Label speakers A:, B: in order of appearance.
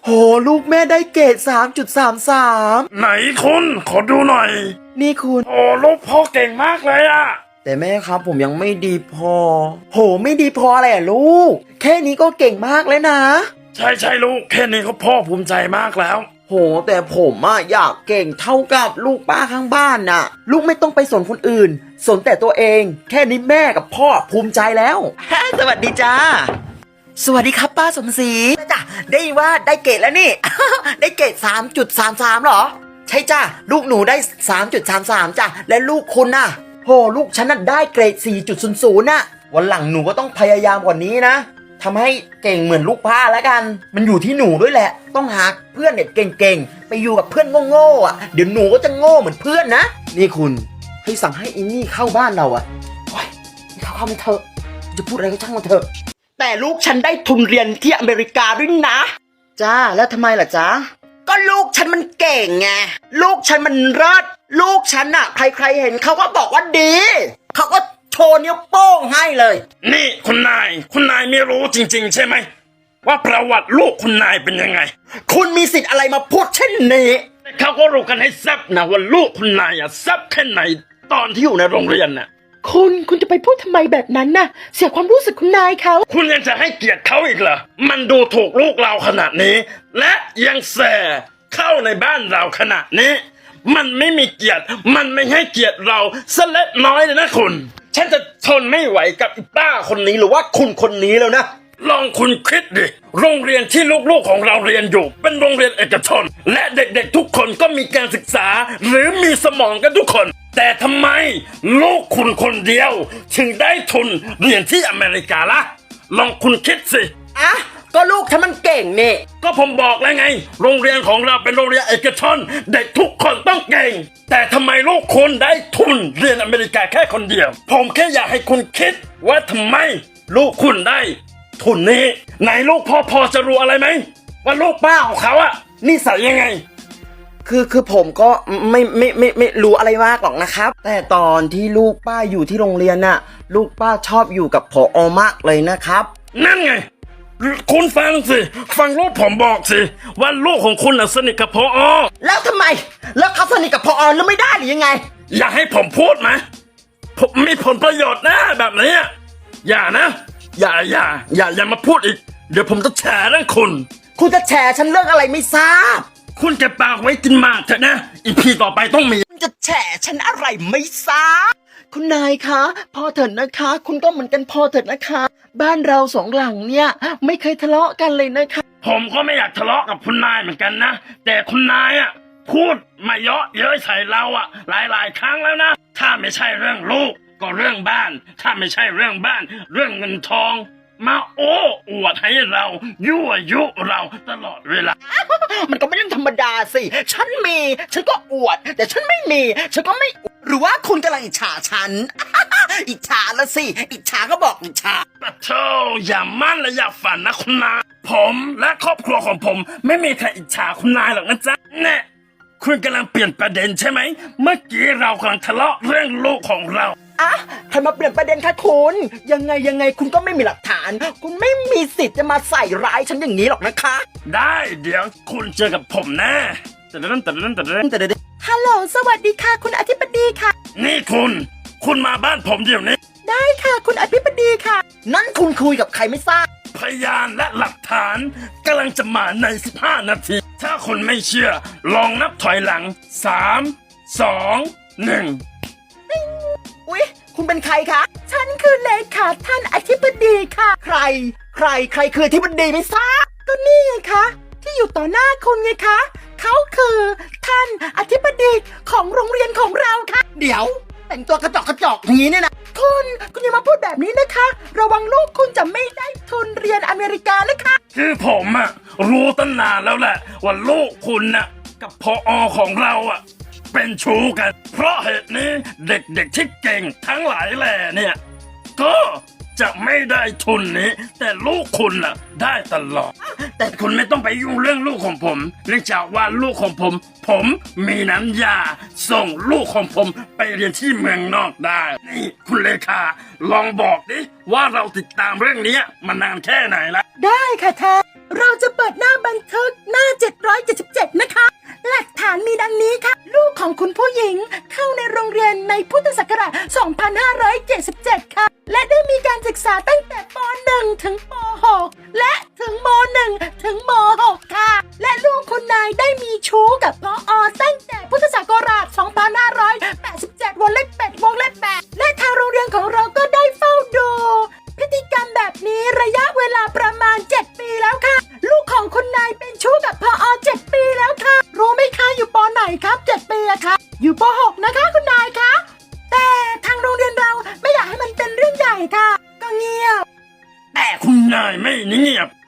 A: โหลูกแม่ได้เกรด3.33
B: ไหนคุณขอดูหน่อย
A: นี่คุณ
B: โอ้ลูกพ่อเก่งมากเลยอะ
A: แต่แม่ครับผมยังไม่ดีพอโหไม่ดีพออะไรอ่ะลูกแค่นี้ก็เก่งมากแล้วนะ
B: ใช่ลูกแค่นี้ก็พ่อภูมิใจมากแล้ว
A: โหแต่ผมอยากเก่งเท่ากับลูกป้าข้างบ้านน่ะลูกไม่ต้องไปสนคนอื่นสนแต่ตัวเองแค่นี้แม่กับพ่อภูมิใจแล้วสวัสดีจ้าสวัสดีครับป้าสมศรีจ้ะได้ว่าได้เกรดแล้วนี่ ได้เกรด3.33หรอใช่จ้ะลูกหนูได้3.33จ้ะและลูกคุณน่ะโหลูกฉันน่ะได้เกรด4.00น่ะวันหลังหนูก็ต้องพยายามกว่านี้นะทำให้เก่งเหมือนลูกป้าแล้วกันมันอยู่ที่หนูด้วยแหละต้องหาเพื่อนเด็กเก่งๆไปอยู่กับเพื่อนโง่ๆเดี๋ยวหนูก็จะโง่เหมือนเพื่อนนะนี่คุณให้สั่งให้อินนี่เข้าบ้านเราโอ้ยเข้าไม่เถอะจะพูดอะไรก็ช่างมันเถอะแต่ลูกฉันได้ทุนเรียนที่อเมริกาด้วยนะจ้าแล้วทำไมล่ะจ๊ะก็ลูกฉันมันเก่งไงลูกฉันมันเลิศลูกฉันใครๆเห็นเขาก็บอกว่าดีเขาก็โชว์นิ้วโป้งให้เลย
B: นี่คุณนายไม่รู้จริงๆใช่ไหมว่าประวัติลูกคุณนายเป็นยังไง
A: คุณมีสิทธิ์อะไรมาพูดเช่นนี้
B: เขาก็รู้กันให้แซ่บนะว่าลูกคุณนายแซ่บแค่ไหนตอนที่อยู่ในโรงเรียนน่ะ
C: คุณจะไปพูดทำไมแบบนั้นน่ะเสียความรู้สึกคุณนายเขา
B: คุณยังจะให้เกียรติเขาอีกเหรอมันดูถูกลูกเราขนาดนี้และยังแส่เข้าในบ้านเราขนาดนี้มันไม่มีเกียรติมันไม่ให้เกียรติเราสักเล็กน้อยเลยนะคุณ
A: ฉันจะทนไม่ไหวกับอีป้าคนนี้หรือว่าคุณคนนี้แล้วนะ
B: ลองคุณคิดดิโรงเรียนที่ลูกๆของเราเรียนอยู่เป็นโรงเรียนเอกชนและเด็กๆทุกคนก็มีการศึกษาหรือมีสมองกันทุกคนแต่ทำไมลูกคุณคนเดียวถึงได้ทุนเรียนที่อเมริกาล่ะลองคุณคิดสิ
A: ก็ลูกฉันมันเก่งนี่
B: ก็ผมบอกแล้วไงโรงเรียนของเราเป็นโรงเรียนเอกชนเด็กทุกคนต้องเก่งแต่ทำไมลูกคุณได้ทุนเรียนอเมริกาแค่คนเดียวผมแค่อยากให้คุณคิดว่าทำไมลูกคุณได้ทุนนี้ไหนลูกพอจะรู้อะไรไหมว่าลูกป้าของเขานิสัยยังไง
A: คือผมก็ไม่รู้อะไรมากหรอกนะครับแต่ตอนที่ลูกป้าอยู่ที่โรงเรียนลูกป้าชอบอยู่กับผอ.มากเลยนะครับ
B: นั่นไงคุณฟังสิฟังลูกผมบอกสิว่าลูกของคุณสนิทกับผอ.
A: แล้วทำไมแล้วเขาสนิทกับผอ.แล้วไม่ได้หรือยังไง
B: อย่าให้ผมพูดไหมผมมีผลประโยชน์นะแบบนี้อย่านะอย่ามาพูดอีกเดี๋ยวผมจะแฉเรื่อง
A: คุณจะแฉฉันเรื่องอะไรไม่ทราบ
B: คุณเก็บปากไว้กินหมากเถอะนะอีพีต่อไปต้องมี
A: คุณจะแฉฉันอะไรไม่ทราบคุณนายคะพอเถิดนะคะคุณก็เหมือนกันพอเถิดนะคะบ้านเราสองหลังเนี่ยไม่เคยทะเลาะกันเลยนะคะ
B: ผมก็ไม่อยากทะเลาะกับคุณนายเหมือนกันนะแต่คุณนายพูดมาเยอะเย้ยใส่เราหลายครั้งแล้วนะถ้าไม่ใช่เรื่องลูกก็เรื่องบ้านถ้าไม่ใช่เรื่องบ้านเรื่องเงินทองมาโอ้อวดให้เรายั่วยุเราตลอดเวลา
A: มันก็ไม่ใช่ธรรมดาสิฉันมีฉันก็อวดแต่ฉันไม่มีฉันก็ไม่หรือว่าคุณกำลังอิจฉาฉัน อิจฉาละสิอิจฉาก็บอกอิจฉา
B: ปะโธ่อย่ามั่นและอย่าฝันนะคุณนายผมและครอบครัวของผมไม่มีใครอิจฉาคุณนายหรอกนะจ๊ะแน่คุณกำลังเปลี่ยนประเด็นใช่ไหมเมื่อกี้เรากำลังทะเลาะเรื่องลูกของเรา
A: ใครมาเปลี่ยนประเด็นคะคุณยังไงคุณก็ไม่มีหลักฐานคุณไม่มีสิทธิ์จะมาใส่ร้ายฉันอย่างนี้หรอกนะคะ
B: ได้เดี๋ยวคุณเจอกับผมแน่แต่
C: ฮัลโหลสวัสดีค่ะคุณอธิบดีค่ะ
B: นี่คุณมาบ้านผมเดี๋ยวนี้
C: ได้ค่ะคุณอธิบดีค่ะ
A: นั่นคุณคุยกับใครไม่ทราบ
B: พยานและหลักฐานกำลังจะมาใน15 นาทีถ้าคุณไม่เชื่อลองนับถอยหลัง3 2 1
A: อุ๊ยคุณเป็นใครคะ
C: ฉันคือเลขาท่านอธิบดีค่ะ
A: ใครคืออธิบดีไม่ทราบ
C: ก็นี่ไงคะที่อยู่ต่อหน้าคุณไงคะเขาคือท่านอธิบดีของโรงเรียนของเราค่ะ
A: เดี๋ยวแต่งตัวกระจอกอย่างนี้เนี่ยนะ
C: คุณอย่ามาพูดแบบนี้นะคะระวังลูกคุณจะไม่ได้ทุนเรียนอเมริกานะคะ
B: คือผมรู้ตั้งนานแล้วแหละว่าลูกคุณกับผอ.ของเราเป็นชู้กันเพราะเหตุนี้เด็กๆที่เก่งทั้งหลายแหล่เนี่ยก็จะไม่ได้ทุนนี้แต่ลูกคุณได้ตลอดแต่คุณไม่ต้องไปยุ่งเรื่องลูกของผมเนื่องจากว่าลูกของผมมีน้ำยาส่งลูกของผมไปเรียนที่เมืองนอกได้นี่คุณเลขาลองบอกดิว่าเราติดตามเรื่องนี้มานานแค่ไหนละ
C: ได้ค่ะท่านเราจะเปิดหน้าบันทึกหน้า 777 นะคะ หลักฐานมีดังนี้ค่ะ ลูกของคุณผู้หญิงเข้าในโรงเรียนในพุทธศักราช 2577 ค่ะ และได้มีการศึกษาตั้งแต่ป .1 ถึงป .6 และถึงม .1 ถึงม .6 ค่ะ และลูกคุณนายได้มีชู้กับพอตั้งแต่พุทธศักราช 2587 วงเล็บ8วงเล็บ8และทางโรงเรียนของเราก็ได้เฝ้าดูพฤติกรรมแบบนี้ระยะเวลาประมาณ 7 ปีแล้วค่ะ ลูกของคุณนายเป็นชู้กับพอ7 ปีแล้วค่ะ รู้ไหมคะอยู่ปไหนครับ 7 ปีอะคะอยู่ป .6 นะคะคุณนายคะแต่ทางโรงเรียนเราไม่อยากให้มันเป็นเรื่องใหญ่ค่ะ ก็เงียบ
B: แต่คุณนายไม่เงียบ